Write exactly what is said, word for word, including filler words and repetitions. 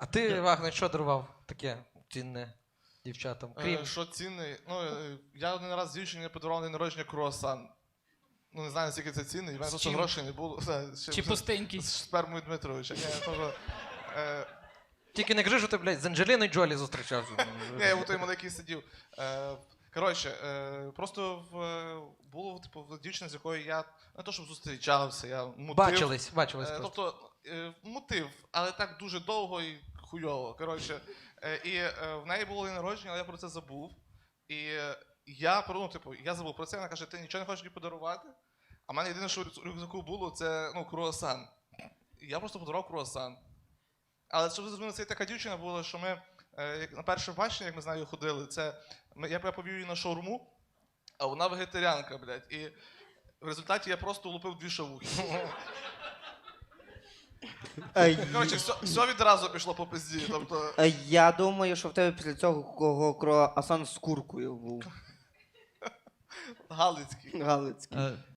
ти, Вагнер, що дарував таке цінне дівчатам? Крім... Е, Що цінний? Ну, е, я один раз дівчині подарував на день народження круасан. Ну, не знаю, наскільки це цінний, в мене просто чим? грошей не було. З Чи пустенький? З спермою Дмитровича. Ні, то, е, Тільки не кажи, що ти, блядь, з Анджеліною Джолі зустрічався. Ні, я у той маленький сидів. Е, Коротше, е, просто в, е, було типу, дівчина, з якою я не то, щоб зустрічався, я мутив. Бачились, бачились Е, просто. Тобто е, мутив, але так дуже довго і хуйово. Коротше, е, і е, в неї було день народження, але я про це забув. І е, я, ну, типу, я забув про це, вона каже, ти нічого не хочеш мені подарувати? А в мене єдине, що в рюкзаку було, це ну, круасан. І я просто подарував круасан. Але щоб ви зрозуміли, це така дівчина була, що ми е, як на перше бачення, як ми з нею ходили, це ми, я, я повів її на шаурму, а вона вегетаріанка, блядь. І в результаті я просто влупив дві шавухи. Коротше, все, все відразу пішло по пизді. Тобто... Е, Я думаю, що в тебе після цього кого круасан з куркою був. Галицький. Галицький. Е,